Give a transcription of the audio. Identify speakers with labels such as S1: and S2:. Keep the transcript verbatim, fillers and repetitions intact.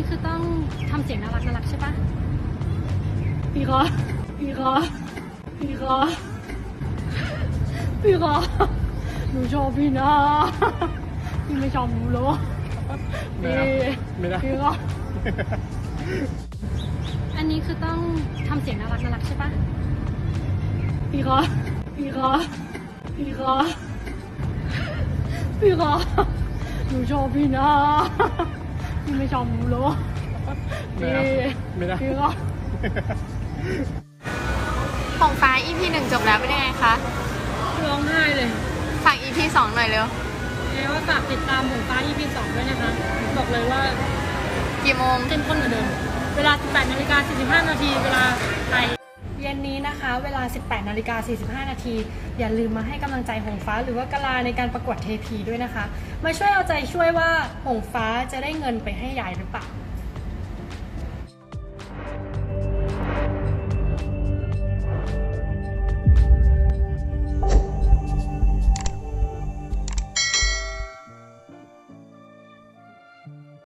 S1: นี้คือต้องทำเสียงน่ารักน่ารักใช่ปะพี่คะพี่คะพี่คะพี่คะหนูชอบพี่นะพี่ไม่ชอบหนูเหรอ
S2: ไม่ได้ไม่ได้
S1: พี่คะอันนี้คือต้องทำเสียงน่ารักน่ารักใช่ปะพี่คะพี่คะพี่คะพี่คะหนูชอบพี่นะพี่ไม่ชอบหนูเหรอ
S2: ไม่ได้ไม่ได้
S1: พี่คะ
S3: ของฟ้า อี พี หนึ่งจบแล้วเป็นยังไงคะ
S1: ร้องไห้เลย
S3: ฝาก อี พี สองหน่อยเร็ว
S1: เอว่าฝากติดตามหมูฟ้า อี พี สองด้วยนะคะ บอกเลยว่า
S3: กี่โมง
S1: เข้มข้นเหมือนเดิม เวลา สิบแปดนาฬิกาสี่สิบห้านาที เวลาไทย เย็นนี้นะคะ เวลา สิบแปดนาฬิกาสี่สิบห้านาที อย่าลืมมาให้กำลังใจหงฟ้าหรือว่ากะลาในการประกวดเทพีด้วยนะคะ มาช่วยเอาใจช่วยว่าหงฟ้าจะได้เงินไปให้ยายหรือเปล่า